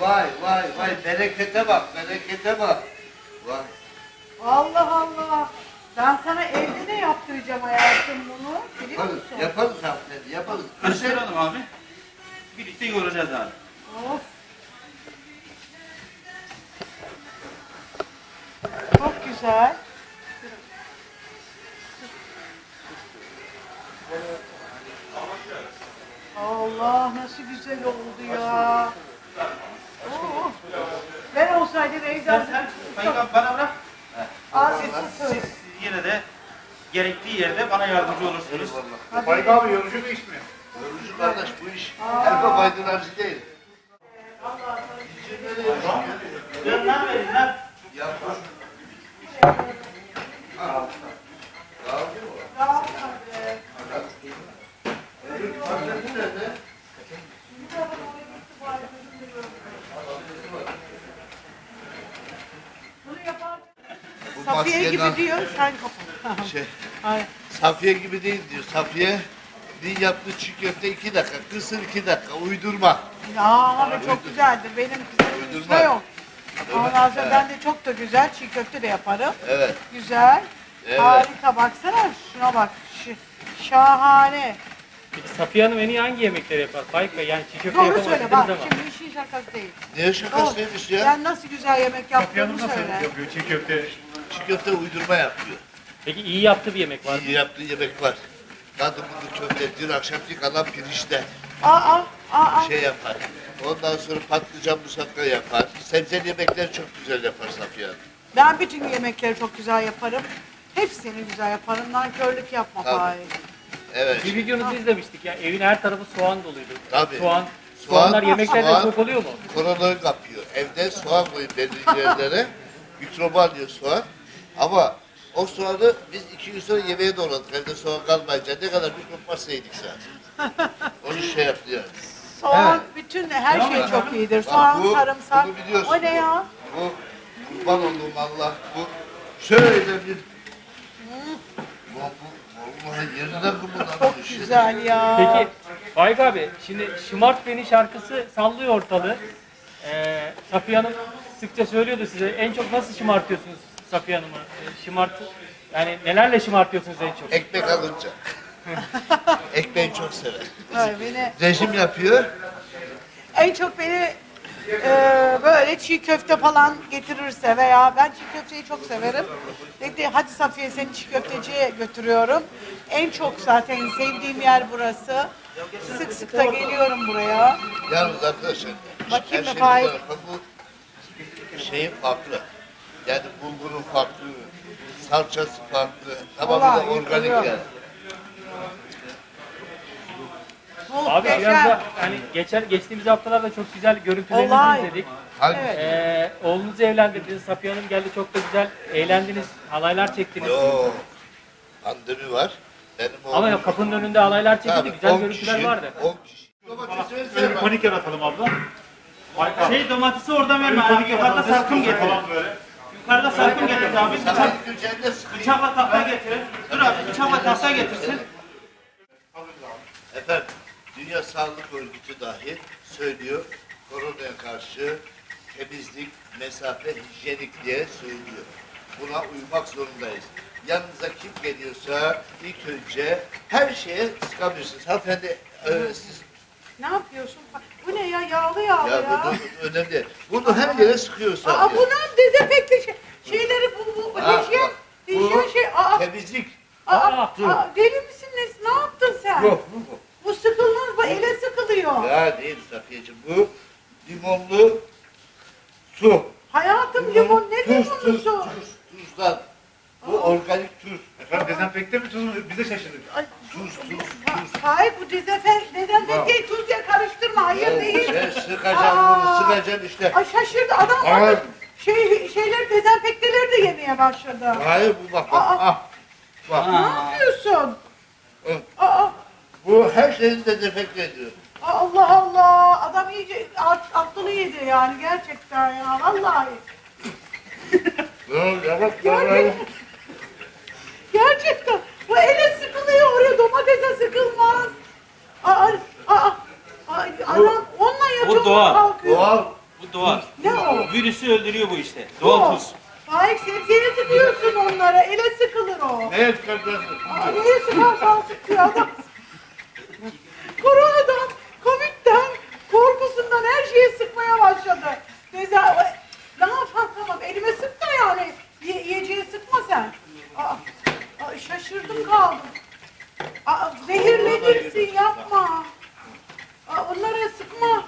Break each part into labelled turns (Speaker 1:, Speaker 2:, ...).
Speaker 1: Vay vay vay berekete bak berekete bak. Vay.
Speaker 2: Allah Allah. Ben sana evde de yaptıracağım hayatım bunu. Biliyor
Speaker 1: Yaparız,
Speaker 2: musun?
Speaker 1: yaparız hanımefendi yaparız.
Speaker 3: Karıştıralım abi. Birlikte yoğuracağız abi.
Speaker 2: Of. Çok güzel. Allah nasıl güzel oldu ya. Oo. Ben olsaydım evden
Speaker 3: Sayın bana bırak.
Speaker 2: Siz
Speaker 3: Siz yine de gerektiği yerde bana yardımcı olursunuz.
Speaker 4: Faik abi yorucu bir iş mi?
Speaker 1: Yorucu kardeş bu iş herfe faydalarcı değil.
Speaker 3: Lan verin lan.
Speaker 1: Yapar. Bu
Speaker 2: Safiye gibi
Speaker 1: maskeden-
Speaker 2: diyor, sen kapat.
Speaker 1: Şey,
Speaker 2: Hayır.
Speaker 1: Safiye gibi değil diyor. Safiye bir yaptığı çiğ köfte 2 dakika, kısır 2 dakika, uydurma.
Speaker 2: Ya ama çok güzeldir. Benim kızımın
Speaker 1: Uydurma.
Speaker 2: üstüne yok. Ondan sonra
Speaker 1: Evet.
Speaker 2: ben de çok da güzel çiğ köfte de yaparım.
Speaker 1: Evet.
Speaker 2: Güzel.
Speaker 1: Evet.
Speaker 2: Harika baksana şuna bak. Şahane.
Speaker 5: Peki Safiye Hanım en iyi hangi yemekleri yapar? Faik Bey yani çiğ köfte
Speaker 2: Doğru
Speaker 5: yapamaz
Speaker 2: söyle
Speaker 5: dediniz
Speaker 2: bak.
Speaker 5: ama.
Speaker 2: Şimdi işin şakası değil.
Speaker 1: Niye şakasıymış ya?
Speaker 2: Sen nasıl güzel yemek
Speaker 4: Safiye
Speaker 2: yaptığını
Speaker 4: Hanım nasıl
Speaker 2: söyle.
Speaker 4: yapıyor çiğ köfte?
Speaker 1: Çiğ köfte uydurma yapıyor.
Speaker 5: Peki iyi yaptığı bir yemek var mı?
Speaker 1: İyi yaptığı yemek var. Kadın bunu köfte, dün akşamki kalan pirinçten
Speaker 2: Aa.
Speaker 1: şey yapar. Ondan sonra patlıcan musakka yapar. Sebzeli yemekler çok güzel yapar Safiye Hanım.
Speaker 2: Ben bütün yemekleri çok güzel yaparım. Hepsini güzel yaparım. Nankörlük yapma
Speaker 1: Tabii.
Speaker 2: Faik.
Speaker 1: Evet.
Speaker 5: Bir videonuzu izlemiştik ya evin her tarafı soğan doluydu.
Speaker 1: Tabii.
Speaker 5: Soğanlar yemeklerde
Speaker 1: soğan
Speaker 5: çok oluyor mu?
Speaker 1: Koronavirüs kapıyor. Evde soğan koyup belli yerlere mikrobu alıyor soğan. Ama o soğanı biz 2 gün sonra yemeğe doğradık. Evde soğan kalmayınca ne kadar mikrop varsa yedik zaten. Onu şey yapıyor.
Speaker 2: Soğan bütün her şey çok iyidir. Soğan,
Speaker 1: bu-
Speaker 2: sarımsak.
Speaker 1: bunu biliyorsun.
Speaker 2: O ne ya?
Speaker 1: Bu kurban olduğum Allah bu şöyle bir bu vallahi yerinden kımıldanmış.
Speaker 2: Çok güzel ya.
Speaker 5: Peki Faik abi şimdi Şımart Beni şarkısı sallıyor ortalığı. Safiye Hanım sıkça söylüyordu size. En çok nasıl şımartıyorsunuz Safiye Hanım'ı? Yani nelerle şımartıyorsunuz en çok?
Speaker 1: Ekmek alınca. Ekmeği çok sever.
Speaker 2: Ay, beni,
Speaker 1: Rejim yapıyor.
Speaker 2: en çok beni böyle çiğ köfte falan getirirse veya ben çiğ köfteyi çok severim. Dedi hadi Safiye seni çiğ köfteciye götürüyorum. En çok zaten sevdiğim yer burası. Sık sık da geliyorum buraya.
Speaker 1: Yalnız arkadaşlar,
Speaker 2: Bakayım
Speaker 1: her
Speaker 2: mı
Speaker 1: şey bir
Speaker 2: Faik?
Speaker 1: tarafa bu şeyin farklı. Yani bulgurun farklı, salçası farklı, tamamı da
Speaker 2: Vallahi
Speaker 1: organik
Speaker 2: yıkılıyor.
Speaker 1: yani.
Speaker 5: Abi biraz
Speaker 2: Muhteşem.
Speaker 5: da hani geçtiğimiz haftalarda çok güzel görüntülerinizi
Speaker 2: Olay.
Speaker 5: izledik.
Speaker 1: Hangi?
Speaker 2: Evet.
Speaker 5: Oğlunuzu evlendirdiniz. Safiye Hanım geldi çok da güzel eğlendiniz. Halaylar çektiniz.
Speaker 1: Yo, pandemi var. Benim oğlum.
Speaker 5: Ama ya kapının önünde halaylar çekildi.
Speaker 1: Tabii,
Speaker 5: Güzel
Speaker 1: 10
Speaker 5: görüntüler
Speaker 1: kişi,
Speaker 5: vardı.
Speaker 1: 10 kişi. Domatesi
Speaker 4: Böyle bir
Speaker 1: versene bak.
Speaker 4: panik yaratalım abla. Faik abi.
Speaker 3: Şey domatesi oradan verme abi. Yukarıda salkım getir.
Speaker 4: Falan böyle.
Speaker 3: Yukarıda salkım getir abi.
Speaker 1: Sana ilk üzerinde sıkayım.
Speaker 3: Bıçakla tahta getirin. Dur abi bıçakla tahta getirsin.
Speaker 1: Efendim, Dünya Sağlık Örgütü dahi söylüyor, koronaya karşı temizlik, mesafe, hijyenik diye söylüyor. Buna uymak zorundayız. Yanınıza kim geliyorsa ilk önce her şeye sıkabilirsiniz. Hanımefendi, siz
Speaker 2: Ne yapıyorsun? Bu ne ya? Yağlı yağlı ya.
Speaker 1: ya bu önemli. Bunu her yere sıkıyorsa.
Speaker 2: Aa bunun dezenfekte şeyleri bu
Speaker 1: Ha,
Speaker 2: hijyen,
Speaker 1: bu
Speaker 2: hijyen şey.
Speaker 1: temizlik.
Speaker 2: Aa, deli misin ne yaptın sen?
Speaker 1: Bu.
Speaker 2: Bu sıkılmaz, bu ele sıkılıyor.
Speaker 1: Ya değil Safiyeciğim, bu limonlu su.
Speaker 2: Hayatım limon ne limonlusu?
Speaker 1: Tuzdan. Bu organik tuz.
Speaker 4: Efendim dezenfekte mi tuz mu? Biz de şaşırdık.
Speaker 2: Ay,
Speaker 1: Tuz.
Speaker 2: Hayır bu dezenfekteyi tuzla karıştırma. Hayır değil.
Speaker 1: Sen sıkacaksın bunu, sıkacaksın işte.
Speaker 2: Ay şaşırdı adam.
Speaker 1: Hayır.
Speaker 2: Şeyler dezenfekteleri de yemeye başladı.
Speaker 1: Hayır bu bak bak.
Speaker 2: Aa.
Speaker 1: Ah. Bak.
Speaker 2: Ne yapıyorsun?
Speaker 1: Hı.
Speaker 2: Aa,
Speaker 1: Bu her şeyi dezenfekte ediyor.
Speaker 2: Allah Allah. Adam iyice aklını yedi yani gerçekten ya. Vallahi.
Speaker 1: Yavaş
Speaker 2: Gerçekten. Bu ele sıkılıyor oraya domatese sıkılmaz. Adam onunla yatıyor
Speaker 3: doğal.
Speaker 2: kalkıyor.
Speaker 1: Doğal.
Speaker 3: Bu doğal.
Speaker 2: Ne o?
Speaker 3: Virüsü öldürüyor bu işte. Doğal tuz.
Speaker 2: Faik sebzeye sıkıyorsun onlara. Ele sıkılır o.
Speaker 1: Neye çıkaracaksın?
Speaker 2: Aa, neye sıkarsan sıkıyor adam. Koronadan, Covid'den, korkusundan her şeye sıkmaya başladı. Mesela ne yapalım, tamam elime sık da yani. Yiyeceğe sıkma sen. Şaşırdım kaldım. Zehirlenirsin, yapma. Onlara sıkma.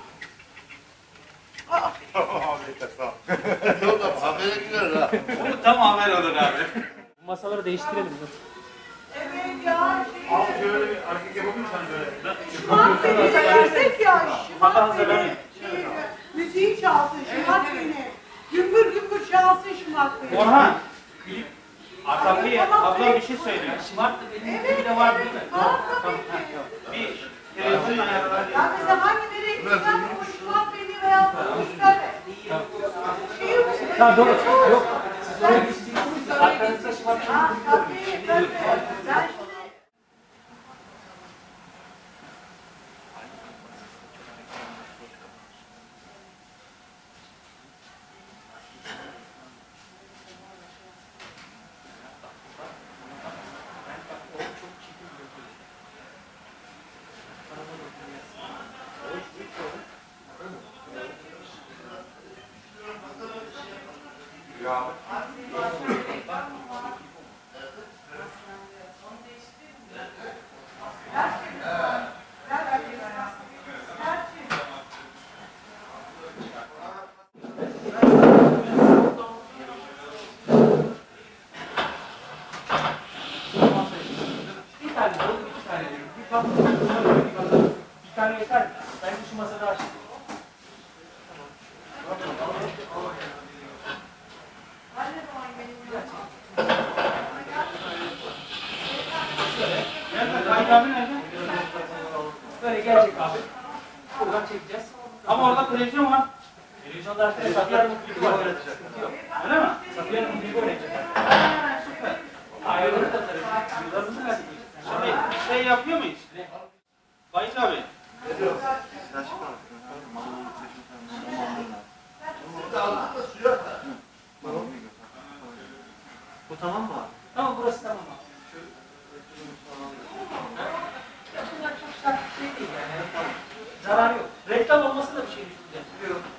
Speaker 1: Yolda habere girer ha.
Speaker 3: Bu tam haber olur abi.
Speaker 5: Bu masaları değiştirelim.
Speaker 2: Evet ya.
Speaker 4: Abi şöyle bir hareket yapabilir misin böyle?
Speaker 2: Şımark beni versek ya. Şımark beni. Müziği çalsın, şımark beni. Gümbür gümbür çalsın şımark beni.
Speaker 3: Orhan. Safiye abla bir şey söylüyor. Şımart da benim gibi de var değil mi?
Speaker 2: Tamam.
Speaker 3: Bir televizyon ayarları.
Speaker 2: Ya mesela hangi nereye gitsen o şımark beni veya söyle. Şey yok.
Speaker 5: Ha doğru. Yok. Siz oraya geçeceksiniz. Arkanızda şımartın.
Speaker 2: Tabii. Ben şimdi...
Speaker 5: Bir tane oldu, iki tane diyorum. Bir tatlı, bir tane yeter mi? Bence şu masada açtık.
Speaker 3: Nerede? Kayıt abi nerede?
Speaker 5: Böyle gelecek abi. Buradan çekeceğiz.
Speaker 3: Ama orada televizyon var.
Speaker 5: Televizyonda arkada Safiye Hanım'ın klibi var. Sıkıntı yok.
Speaker 3: Öyle mi?
Speaker 5: Safiye Hanım'ın klibi oynayacak.
Speaker 3: Süper.
Speaker 5: Ayarları da tarafı. Yıllarımızı verdik.
Speaker 3: Şimdi şey yapıyor muyuz? Kayıt abi.
Speaker 5: Bu tamam mı abi? Tamam, burası tamam abi. Ya bunlar çok sert bir şey değil yani. Tamam. Zarar yok. Reklam olması da bir şey düşüneceğiz. Yok.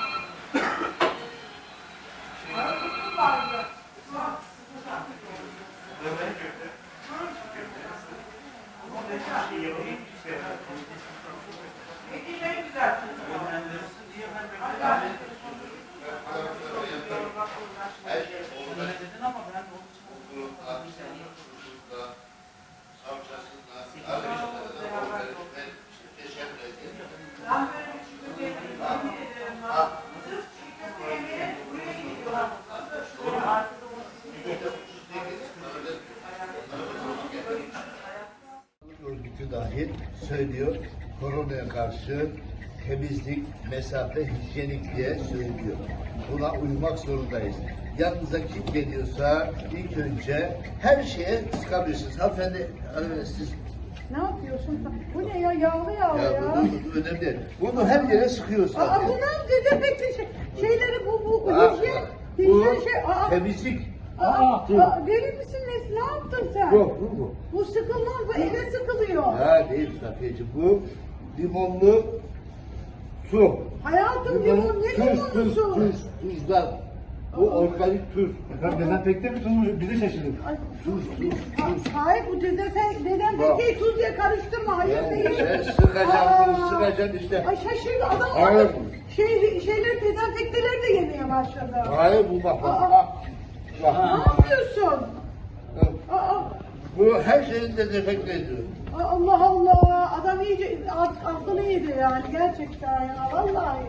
Speaker 1: Örgütü dahil söylüyor. Koronaya karşı temizlik, mesafe, hijyenik diye söylüyor. Buna uymak zorundayız. Yanınıza kim geliyorsa ilk önce her şeye sıkabilirsiniz. Hanımefendi siz
Speaker 2: Ne yapıyorsun? Bu ne ya? Yağlı yağlı ya.
Speaker 1: bu önemli değil. Bunu her yere sıkıyorsun.
Speaker 2: Bunlar dezenfekte şeyleri bu
Speaker 1: Ha,
Speaker 2: hijyen.
Speaker 1: bu
Speaker 2: Hijyen şey.
Speaker 1: temizlik.
Speaker 2: Deli misin ne yaptın sen?
Speaker 1: Yok bu.
Speaker 2: Bu sıkılmaz, bu ele sıkılıyor.
Speaker 1: Ha değil Safiyeciğim. Bu limonlu su.
Speaker 2: Hayatım limon ne limonu su?
Speaker 1: Tuzdan. Bu organik tuz.
Speaker 4: Efendim dezenfekte mi tuzum? Bize şaşırdık.
Speaker 2: Ay,
Speaker 1: Tuz.
Speaker 2: hayır bu dezenfekteyi tuz diye karıştırma. Hayır değil.
Speaker 1: Sen sıkacaksın bunu
Speaker 2: Aa.
Speaker 1: sıkacaksın işte.
Speaker 2: Ay şaşırdı adam.
Speaker 1: Hayır.
Speaker 2: Şeyler dezenfekteleri de yemeye başladı.
Speaker 1: Hayır bu bak.
Speaker 2: Ne yapıyorsun? Aa,
Speaker 1: Bu her şeyin dezenfekte ediyor.
Speaker 2: Allah Allah. Adam iyice aklını yedi yani gerçekten ya vallahi.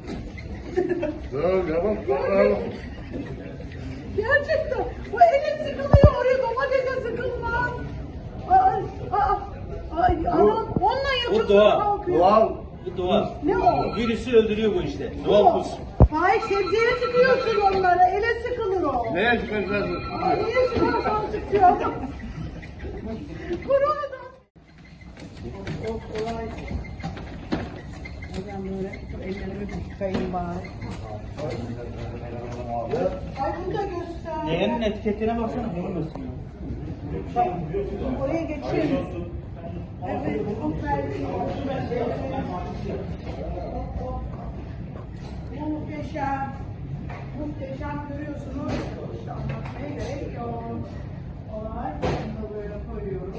Speaker 1: Yavaş.
Speaker 2: Gerçekten. Bu ele sıkılıyor oraya domatese sıkılmaz. Ay, adam onunla yapıyor.
Speaker 3: doğal.
Speaker 2: Kalkıyor.
Speaker 1: Doğal.
Speaker 3: Bu doğal.
Speaker 2: Ne o?
Speaker 3: Virüsü öldürüyor bu işte. Doğal tuz.
Speaker 2: Faik sebzeye sıkıyorsun onları. Ele sıkılır o.
Speaker 1: Neye çıkacaksın?
Speaker 2: Niye sıkarsan sıkıyor adam. Koronadan. O kolay. Ben böyle şu ellerimi bir yıkayayım bari. Ay bunu da göster.
Speaker 3: Leğenin etiketine baksana. Bunu gösteriyor.
Speaker 2: Bak, oraya geçeyim. Evet, çok terli. Muhteşem. Muhteşem görüyorsunuz. İşte anlatmaya gerek yok. Olay. Bunu da böyle koyuyoruz.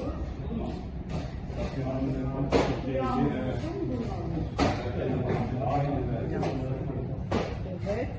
Speaker 2: Evet.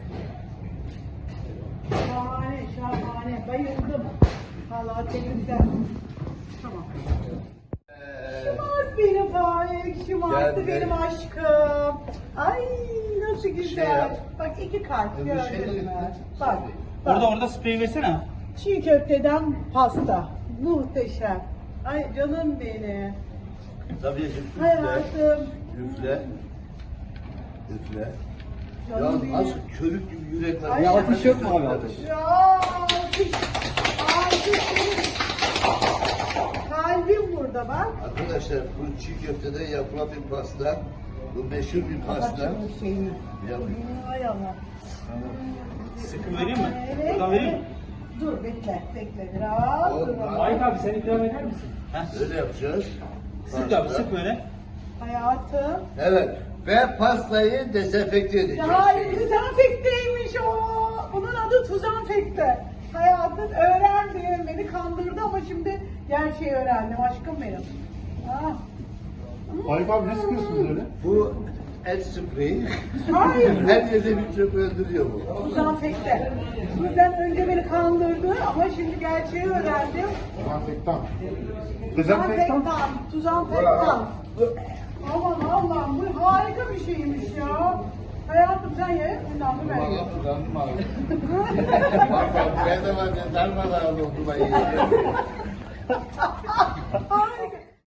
Speaker 2: Şahane, şahane. Bayıldım. Vallahi tebrikler. Tamam. Şımart benim Faik, şımarttı
Speaker 1: Geldi.
Speaker 2: benim aşkım. Ay nasıl güzel.
Speaker 1: yap.
Speaker 2: Bak 2 kalp
Speaker 1: Öbür
Speaker 2: gördün
Speaker 1: şeyleri-
Speaker 2: mü? Bak. Bak.
Speaker 3: Orada sprey versene.
Speaker 2: Çiğ köfteden pasta. Muhteşem. Ay canım benim.
Speaker 1: Tabii üfle.
Speaker 2: Hayatım.
Speaker 1: Üfle. Üfle. Ya
Speaker 2: Canım benim.
Speaker 1: nasıl körük gibi yürek var.
Speaker 2: Ay,
Speaker 1: Ya
Speaker 2: alkış
Speaker 1: yok mu abi alkış?
Speaker 2: Ya alkış. Alkış benim. Kalbim burada bak.
Speaker 1: Arkadaşlar bu çiğ köfteden yapılan bir pasta. Bu meşhur bir pasta.
Speaker 2: Bak şu şeyi.
Speaker 1: Ya,
Speaker 2: Ay Allah.
Speaker 3: Sıkı vereyim mi?
Speaker 2: Evet.
Speaker 3: Buradan vereyim mi?
Speaker 2: Dur bekle biraz.
Speaker 1: Olmaz.
Speaker 2: Dur.
Speaker 5: Faik abi sen ikram eder misin?
Speaker 1: öyle yapacağız.
Speaker 3: Sık abi sık böyle.
Speaker 2: Hayatım.
Speaker 1: Evet. Ve pastayı dezenfekte edeceğiz.
Speaker 2: Hayır dezenfekteymiş o. Bunun adı tuzanfekte. Hayatım öğrendim. Beni kandırdı ama şimdi gerçeği öğrendim aşkım benim. Ah.
Speaker 4: Faik abi ne sıkıyorsunuz öyle?
Speaker 1: Bu el spreyi.
Speaker 2: Hayır.
Speaker 1: Her yerde mikrop öldürüyor bu.
Speaker 2: Tuzanfekte. Bizden önce beni kandırdı ama şimdi gerçeği öğrendim.
Speaker 4: Dezenfektan. Dezenfektan.
Speaker 2: Tuzanfektan. Aman Allah'ım bu harika bir şeymiş ya. Hayatım sen ye, bundan da ben
Speaker 1: Valla
Speaker 2: yiyeyim.
Speaker 1: kullandım abi. Bak bak ben de var ya darmadağın oldu ben yiyeceğim.
Speaker 2: Ay